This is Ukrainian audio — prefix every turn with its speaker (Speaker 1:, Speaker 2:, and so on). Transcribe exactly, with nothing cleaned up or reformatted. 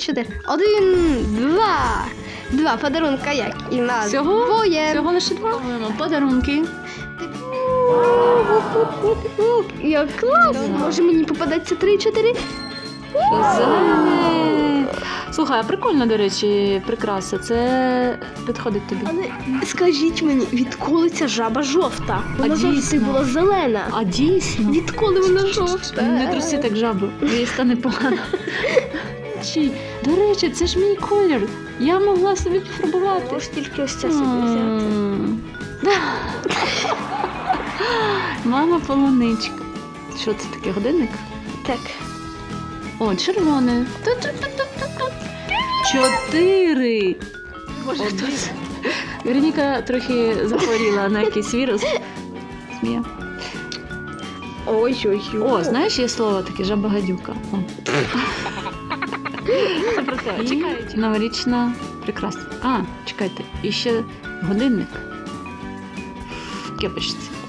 Speaker 1: чотири. Один, два. Два подарунка, як і на
Speaker 2: Всього?
Speaker 1: двоє.
Speaker 2: Всього лише два. Подарунки.
Speaker 1: Як класно. Може мені попадеться три-чотири?
Speaker 2: Зелене. Слухай, а прикольно, до речі, прикраса. Це підходить тобі.
Speaker 1: Але скажіть мені, відколи ця жаба жовта? Вона
Speaker 2: А
Speaker 1: завжди
Speaker 2: дійсно?
Speaker 1: була зелена.
Speaker 2: А дійсно?
Speaker 1: Відколи вона жовта?
Speaker 2: Не труси так жабу, їй стане погано. Чи, до речі, це ж мій колір. Я могла собі пофарбувати.
Speaker 1: Можеш тільки ось це собі взяти.
Speaker 2: М. Мама полуничка. Що це таке, годинник?
Speaker 1: Так.
Speaker 2: О, червоне. Ту-ту-ту-ту-ту. Чотири.
Speaker 1: Боже,
Speaker 2: Один.
Speaker 1: хто це?
Speaker 2: Вероніка трохи захворіла на якийсь вірус. Смія.
Speaker 1: Ой-ой-ой.
Speaker 2: О, знаєш, є слово таке жаба-гадюка. О. Це про те. Чекайте. Новорічна прикраса. А, чекайте, і ще годинник в кепочці.